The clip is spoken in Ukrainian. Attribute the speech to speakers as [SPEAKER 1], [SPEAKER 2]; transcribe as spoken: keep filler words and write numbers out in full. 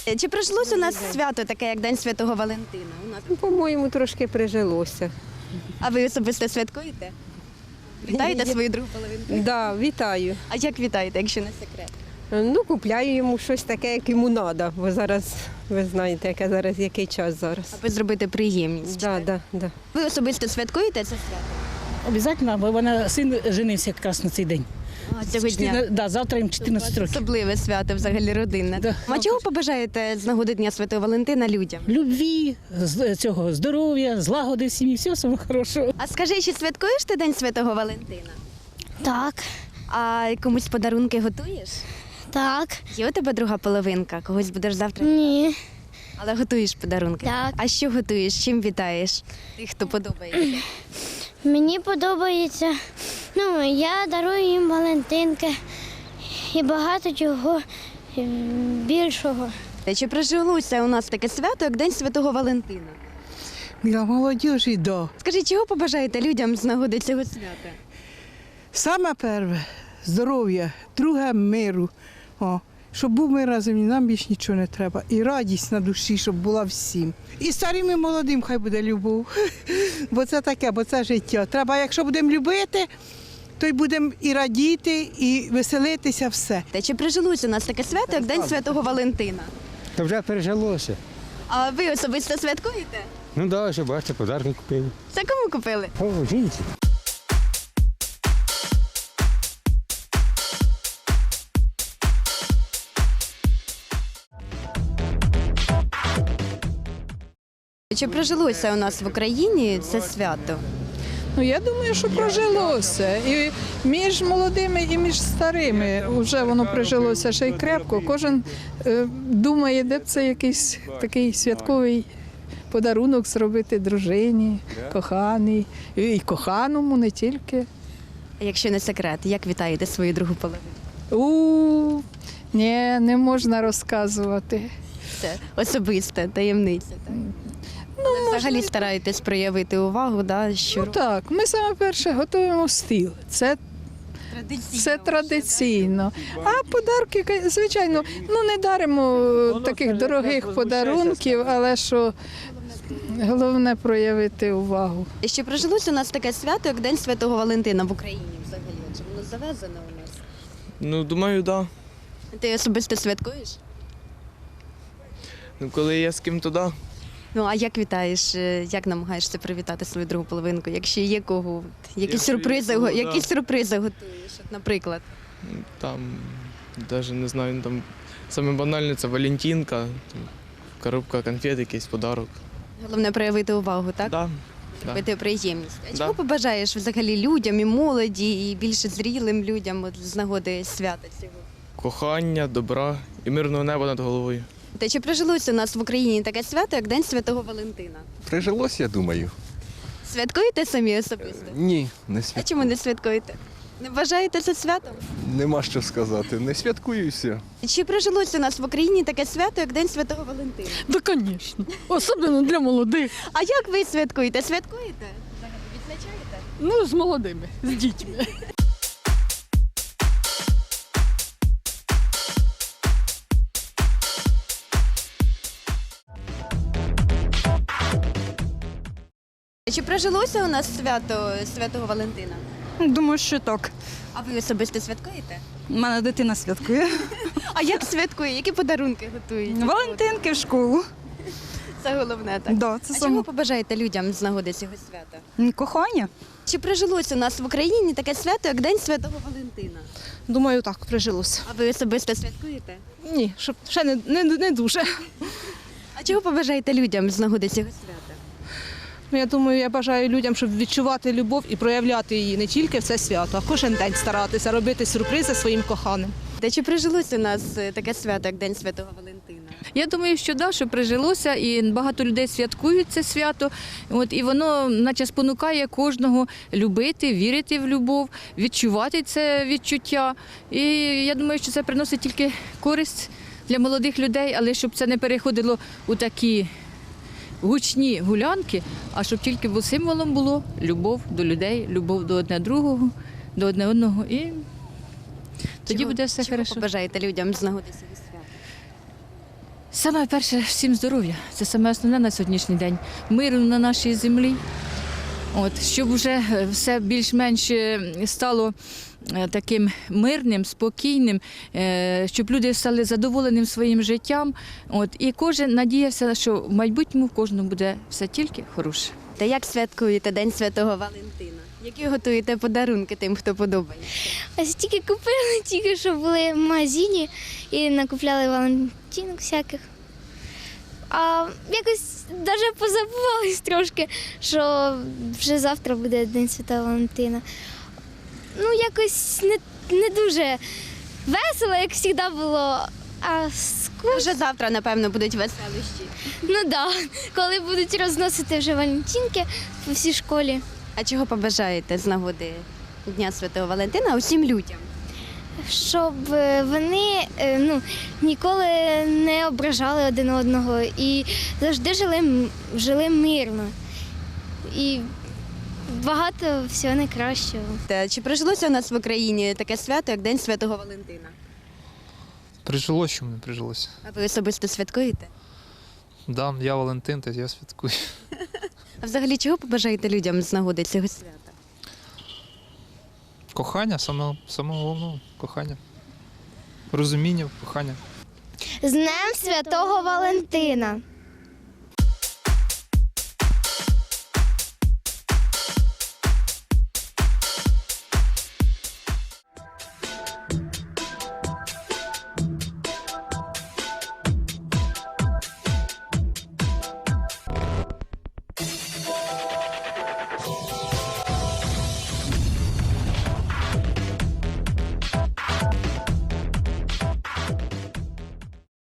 [SPEAKER 1] Чи прижилось у нас свято таке, як День Святого Валентина? У нас.
[SPEAKER 2] По-моєму, трошки прижилося.
[SPEAKER 1] А ви особисто святкуєте? Вітаєте свою другу половинку?
[SPEAKER 2] Да, вітаю.
[SPEAKER 1] А як вітаєте, якщо не секрет?
[SPEAKER 2] Ну, купляю йому щось таке, як йому треба, бо зараз, ви знаєте, яке зараз, який час зараз.
[SPEAKER 1] Аби зробити приємність.
[SPEAKER 2] Да, да, да.
[SPEAKER 1] Ви особисто святкуєте це свято?
[SPEAKER 3] Обов'язково, бо вона син женився якраз на цей день.
[SPEAKER 1] А, цього дня?
[SPEAKER 3] Да, завтра їм чотирнадцять років.
[SPEAKER 1] Особливе свято, взагалі родинне.
[SPEAKER 3] Да.
[SPEAKER 1] А чого побажаєте з нагоди Дня Святого Валентина людям?
[SPEAKER 3] Любві, з- цього здоров'я, злагоди в сім'ї, всього самого хорошого.
[SPEAKER 1] А скажи, чи святкуєш ти День Святого Валентина?
[SPEAKER 4] Так,
[SPEAKER 1] А комусь подарунки готуєш?
[SPEAKER 4] так,
[SPEAKER 1] Є у тебе друга половинка? Когось будеш завтра?
[SPEAKER 4] ні,
[SPEAKER 1] Але готуєш подарунки?
[SPEAKER 4] Так.
[SPEAKER 1] А що готуєш? Чим вітаєш тих, хто подобається?
[SPEAKER 4] мені подобається. Ну, я дарую їм Валентинки і багато чого ем, більшого.
[SPEAKER 1] Чи прижилося у нас таке свято, як День Святого Валентина?
[SPEAKER 5] Для молодежі, да.
[SPEAKER 1] Скажіть, чого побажаєте людям з нагоди цього свята?
[SPEAKER 5] Саме перше здоров'я, друге миру. О, щоб був мир на землі, нам більше нічого не треба. І радість на душі, щоб була всім. І старим, і молодим хай буде любов. Бо це таке, бо це життя. Треба, якщо будемо любити, то й будемо і радіти, і веселитися, все.
[SPEAKER 1] Та чи прижилося у нас таке свято, як День Святого Валентина?
[SPEAKER 6] Та вже пережилося.
[SPEAKER 1] А ви особисто святкуєте?
[SPEAKER 6] Ну да, що бачите, подарки купив.
[SPEAKER 1] Це кому купили?
[SPEAKER 6] О, жінці.
[SPEAKER 1] Чи прижилося у нас в Україні це свято?
[SPEAKER 7] Ну, я думаю, що прожилося. І між молодими, і між старими вже воно прижилося ще й крепко. Кожен е, думає, де б це якийсь такий святковий подарунок зробити дружині, коханій, і, і коханому не тільки.
[SPEAKER 1] А якщо не секрет, як вітаєте свою другу половину?
[SPEAKER 7] У ні, не можна розказувати.
[SPEAKER 1] Це особиста таємниця. Так? Ну, взагалі стараєтесь проявити увагу, да, що
[SPEAKER 7] Ну так, ми саме перше готуємо стіл. Це
[SPEAKER 1] традиційно.
[SPEAKER 7] Це традиційно. А подарки, звичайно, ну не даримо таких дорогих подарунків, але що головне проявити увагу.
[SPEAKER 1] І ще прижилося у нас таке свято, як День Святого Валентина в Україні взагалі. Чи воно завезено у нас?
[SPEAKER 8] Ну, думаю, так.
[SPEAKER 1] Ти особисто святкуєш?
[SPEAKER 8] Ну, коли я з ким туди,
[SPEAKER 1] Ну, а як вітаєш, е, як намагаєшся привітати свою другу половинку? Якщо є кого, от, які
[SPEAKER 8] Якщо є
[SPEAKER 1] сюрпризи,
[SPEAKER 8] кого,
[SPEAKER 1] го-
[SPEAKER 8] да.
[SPEAKER 1] які сюрпризи готуєш, от, наприклад?
[SPEAKER 8] там, навіть не знаю, ну, там саме банальне це Валентинка, там, коробка конфет, якийсь подарок.
[SPEAKER 1] Головне проявити увагу, так?
[SPEAKER 8] Да, да.
[SPEAKER 1] Робити приємність. А
[SPEAKER 8] Да.
[SPEAKER 1] чого побажаєш взагалі людям і молоді, і більше зрілим людям от, з нагоди свята цього?
[SPEAKER 8] Кохання, добра і мирного неба над головою.
[SPEAKER 1] Та чи прижилося у нас в Україні таке свято, як День Святого Валентина?
[SPEAKER 9] Прижилось, я думаю.
[SPEAKER 1] Святкуєте самі особисто?
[SPEAKER 9] Ні, не
[SPEAKER 1] А
[SPEAKER 9] свят...
[SPEAKER 1] чому не святкуєте? Не вважаєте це святом?
[SPEAKER 9] нема що сказати. Не святкуюся.
[SPEAKER 1] Чи прижилося у нас в Україні таке свято, як День Святого Валентина?
[SPEAKER 3] Да, звісно. Особливо для молодих.
[SPEAKER 1] А як ви святкуєте? Святкуєте? Взагалі відзначаєте?
[SPEAKER 3] Ну, з молодими, з дітьми.
[SPEAKER 1] Чи прижилося у нас свято Святого Валентина?
[SPEAKER 10] Думаю, що так.
[SPEAKER 1] А ви особисто святкуєте?
[SPEAKER 10] У мене дитина святкує.
[SPEAKER 1] А як святкує? Які подарунки готують?
[SPEAKER 10] Валентинки в школу.
[SPEAKER 1] Це головне, так?
[SPEAKER 10] Да, це
[SPEAKER 1] А
[SPEAKER 10] саме
[SPEAKER 1] чого побажаєте людям з нагоди цього свята?
[SPEAKER 10] кохання.
[SPEAKER 1] Чи прижилося у нас в Україні таке свято, як День Святого Валентина?
[SPEAKER 10] Думаю, так, прижилося.
[SPEAKER 1] А ви особисто святкуєте?
[SPEAKER 10] Ні, щоб ще не, не, не дуже.
[SPEAKER 1] А чого побажаєте людям з нагоди цього свята?
[SPEAKER 10] Ну, я думаю, я бажаю людям, щоб відчувати любов і проявляти її не тільки в це свято, а кожен день старатися робити сюрпризи своїм коханим.
[SPEAKER 1] Та чи прижилося у нас е, таке свято, як День Святого Валентина?
[SPEAKER 11] Я думаю, що да, що прижилося, і багато людей святкують це свято. От, і воно наче спонукає кожного любити, вірити в любов, відчувати це відчуття. І я думаю, що це приносить тільки користь для молодих людей, але щоб це не переходило у такі гучні гулянки, а щоб тільки бо символом було любов до людей, любов до одне другого, до одне одного. І тоді
[SPEAKER 1] Чого-
[SPEAKER 11] буде все
[SPEAKER 1] чого
[SPEAKER 11] добре.
[SPEAKER 1] побажаєте людям з нагоди цього свята?
[SPEAKER 11] Саме перше всім здоров'я. Це саме основне на сьогоднішній день. Миру на нашій землі. От, щоб вже все більш-менш стало е, таким мирним, спокійним, е, щоб люди стали задоволеним своїм життям. От, і кожен надіявся, що в майбутньому в кожному буде все тільки хороше.
[SPEAKER 1] Та як святкуєте День Святого Валентина? Які готуєте подарунки тим, хто подобається?
[SPEAKER 4] Ось тільки купили, тільки що були в магазині і накупляли валентинок всяких. А якось навіть позабувались трошки, що вже завтра буде День Святого Валентина. Ну, якось не, не дуже весело, як завжди було. А скучно.
[SPEAKER 1] Вже завтра, напевно, будуть веселищі.
[SPEAKER 4] Ну так, да, коли будуть розносити вже валентинки по всій школі.
[SPEAKER 1] А чого побажаєте з нагоди Дня Святого Валентина усім людям?
[SPEAKER 4] Щоб вони е, ну, ніколи не ображали один одного і завжди жили, м- жили мирно. І багато всього найкращого.
[SPEAKER 1] Та чи прижилося у нас в Україні таке свято, як День Святого Валентина?
[SPEAKER 12] Прижилось, чому не прижилось?
[SPEAKER 1] А ви особисто святкуєте?
[SPEAKER 12] Да, я Валентин, то я святкую.
[SPEAKER 1] А взагалі чого побажаєте людям з нагоди цього свята?
[SPEAKER 12] Кохання, саме, саме головного кохання. Розуміння, кохання.
[SPEAKER 4] З Днем Святого Валентина!